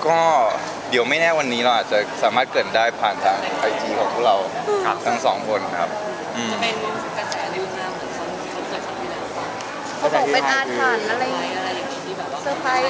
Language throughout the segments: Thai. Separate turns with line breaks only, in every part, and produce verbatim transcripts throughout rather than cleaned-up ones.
ก็เดี๋ยวไม่แน่วันนี้เราอาจจะสามารถเกริดได้ผ่านทางไอจีของพวกเราทั้งสองคนครับอืม
เป็นกระแสลือมาเหมือนคอนคอนเสิร์ตครั้งที่แล้วป่ะ
เขาบอกเป็นอาถรรพ์อะไร
อะไรอะไรอย่างงี้ที่แบบว่า
เซอร์ไพรส์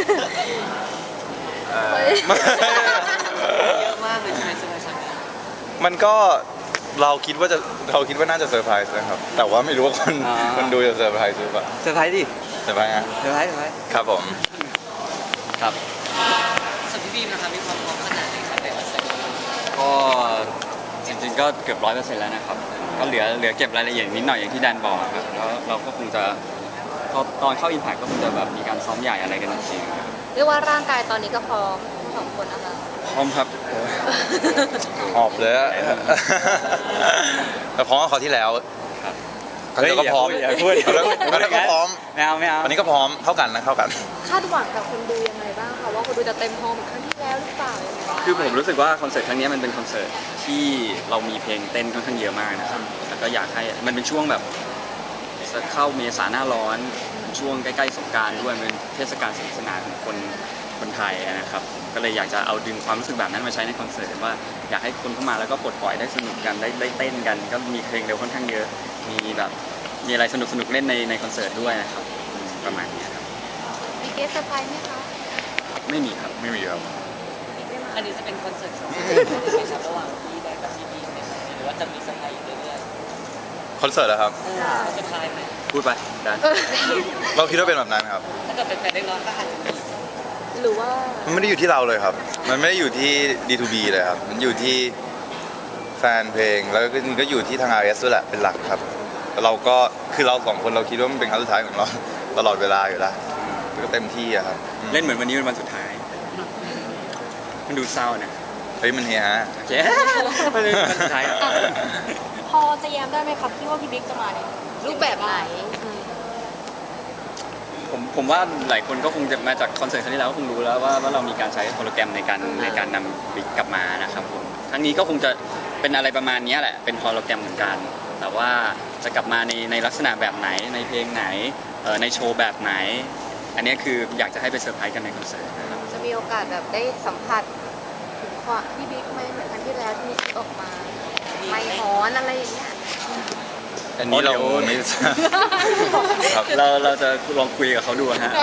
เอ่อ
เยอะมากเลยใช่ไหมเซอร์ไพรส์ครั้งนี้
มันก็เราคิดว่าจะเราคิดว่าน่าจะเซอร์ไพรส์นะครับแต่ว่าไม่รู้ว่าคนคนดูจะเซอร์ไพรส์หรือเปล่า
เซอร์ไพรส์ดิ
เซอร์ไพรส์ฮะ
เซอร์ไพรส์เซอร์ไพรส์
ครับผม
ครับ
ส่วนพี่บีมนะครับมีความพร้อมขนาดไหนครับในคอนเสิร์ต
ก็จริงๆก็เกือบร้อยเปอร์เซ็นต์แล้วนะครับก็เหลือเหลือเก็บรายละเอียดนิดหน่อยอย่างที่แดนบอกครับแล้วเราก็คงจะพอตอนเข้าอินพ c t ก็คงจะแบบมีการซ้อมใหญ่อะไรกันจริงๆครับ
เรียกว่าร่างกายตอนนี้ก็พร้อมทั้งสองคนนะคะ
พร้อมครับ
หอบเลยอะ แต่พร้อมกว่าคราวที่แล้ว
ครับ
คราวที่แล้วก็พร้อม
อย่าพูดอย่าพูด
แล้วแล้วก็พร้อม
ไม่เอาไม่เอา
วันนี้ก็พร้อมเท่ากันนะเท่ากัน
คาดหวังกับคนดูยังไงบ้างคะว่าคนดูจะเต็มฮอลล์เหมือนครั้งที่แล้วหรือเปล่ายังไงบ้าง
คือผมรู้สึกว่าคอนเสิร์ตครั้งนี้มันเป็นคอนเสิร์ตที่เรามีเพลงเต้นค่อนข้างเยอะมากนะครับแล้วก็อยากให้มันเป็นช่วงแบบจะเข้าเมษาหน้าร้อนช่วงใกล้ๆสงกรานต์ด้วยเป็นเทศกาลสนุกสนานของคนคนไทยนะครับก็เลยอยากจะเอาดึงความรู้สึกแบบนั้นมาใช้ในคอนเสิร์ตว่าอยากให้คนเข้ามาแล้วก็ปลดปล่อยได้สนุกกันได้ได้เต้นกัน ก็มีเพลงเร็วค่อนข้างเยอะมีแบบมีอะไรสนุกสนุกๆเล่นในในคอนเสิร์ตด้วยนะครับอืมประมาณนี้ครับ
มีเกสเซอร์ไพรส์ไหมคะ
ไม่มีครับ
ไม่มีครับ
อันนี้จะเป็นคอนเสิร์ตของที่ครับระหว่างพี่แดนกับพี่บีมเนี่ยหรือว่าจะมีเซอร์ไพรส์อยู่เรื่อย
คอนเสิร์ตเหรอครับ
ๆเออเซอร์ไพรส์ไหม
พูดไปดัน
เราคิดว่าเป็นแบบนั้นครับ
ถ้าเกิดเป็นแฟนได้ร้อนก็อาจจะมี
หรือว่า
มันไม่ได้อยู่ที่เราเลยครับ มันไม่ได้อยู่ที่ ดี ทู บี เลยครับ มันอยู่ที่แฟนเพลง แล้วก็ก็อยู่ที่ทาง อาร์ เอส ด้วยแหละ เป็นหลักครับ เราก็ คือเราสองคนเราคิดว่ามันเป็นครั้งสุดท้ายของเรา ตลอดเวลาอยู่แล้วก็เต็มที่อะครับอืม
เล่นเหมือนวันนี้เป็นวันสุดท้าย มันดูเศร้านะ
เฮ้ยมันเฮียฮะ
โอเค มันเป็นวันสุดท้าย
พอจะแย้มได้ไหมครับที่ว่าพี่บิ๊กจะมาเนี่ย
รูปแบบไหนอืม
ผมผมว่าหลายคนก็คงจะมาจากคอนเสิร์ตครั้งที่แล้วก็คงรู้แล้วว่าว่าเรามีการใช้โปรแกรมในการในการนำบิ๊กกลับมานะครับผมครั้งนี้ก็คงจะเป็นอะไรประมาณนี้แหละเป็นโปรแกรมเหมือนกัน แต่ว่าจะกลับมาในในลักษณะแบบไหนในเพลงไหนเอ่อในโชว์แบบไหน อันนี้คืออยากจะให้ไปเซอร์ไพรส์กันในคอนเสิร์ตนะครับ
จะมีโอกาสแบบได้สัมผัสถึงความพี่บิ๊กไหมเหมือนครั้งที่แล้วที่มีคลิปออกมาไม่หอนอะไรอย่างเงี้ย
อันนี้เรา
โอ้เดี๋ยว
ไม่ทราบครับ
เราเราจะลองคุยกับเขาดูฮะ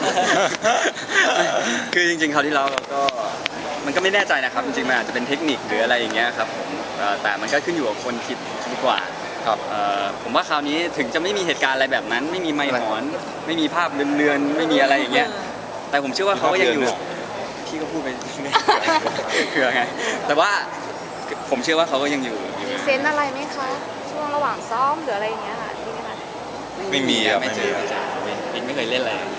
คือจริงๆคราวที่แล้วเราก็มันก็ไม่แน่ใจนะครับจริงๆมันอาจจะเป็นเทคนิคหรืออะไรอย่างเงี้ยครับผมเอ่อแต่มันก็ขึ้นอยู่กับคนคิดดีกว่า
ครับ
เอ่อผมว่าคราวนี้ถึงจะไม่มีเหตุการณ์อะไรแบบนั้น ไม่มีไมค์หอนไม่มีภาพเลือนๆไม่มีอะไรอย่างเงี้ยแต่ผมเชื่อว่าเขาก็ยังอยู่
มีภาพเลือน
พี่ก็พูดไปเผื่อไงแต่ว่าผมเชื่อว่าเขาก็ยังอยู่อยู่
มีเซนส์อะไรไหมคะ ช่วงระหว่างซ้อมหรืออะไรอย่างเงี้ยค่ะมีไหมคะ
ไม่มีครับ
ไม่เจอ
ไม่มี
บิ๊กไม่เคยเล่นอะไรอย่างเงี้ย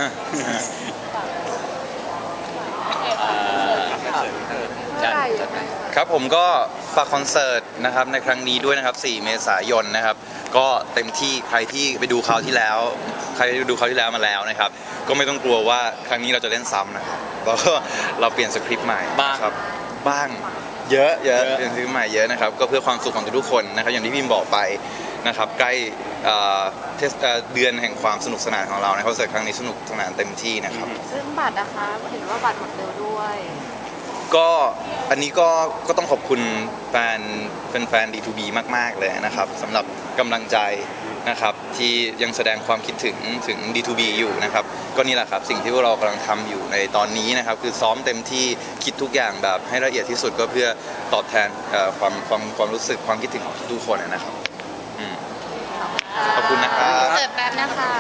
อ่า
เมื่อไหร่
จัดไป
ครับผมก็ฝากคอนเสิร์ตนะครับในครั้งนี้ด้วยนะครับสี่เมษายนนะครับก็เต็มที่ใครที่ไปดูคราวที่แล้ว ใครที่ดูคราวที่แล้วมาแล้วนะครับก็ไม่ต้องกลัวว่าครั้งนี้เราจะเล่นซ้ำนะครับเราก็เราเปลี่ยนสคริปต์ใหม่
บ้าง
ครับบ้างเยอะเยอะ
เยอะ
เปลี่ยนสคริปต์ใหม่เยอะนะครับก็เพื่อความสุขของทุกๆคนนะครับอย่างที่พิมบอกไปนะครับใกล้เอ่อเทศเอ่อเดือนแห่งความสนุกสนานของเราในคอนเสิร์ตครั้งนี้สนุกสนานเต็มที่นะครับ
ซึ่งบัตรนะคะเห็นว่าบัตรหมดเร็วด้วย
ก็อันนี้ก็ก็ต้องขอบคุณแฟนแฟนๆ ดี ทู บี มากๆเลยนะครับสำหรับกำลังใจนะครับที่ยังแสดงความคิดถึงถึง ดี ทู บี อยู่นะครับก็นี่แหละครับสิ่งที่พวกเรากำลังทำอยู่ในตอนนี้นะครับคือซ้อมเต็มที่คิดทุกอย่างแบบให้ละเอียดที่สุดก็เพื่อตอบแทนเอ่อความความความรู้สึกความคิดถึงของทุกๆคนนะครับอืมขอบคุณนะครับ
เสิร์ฟแป๊บนะคะ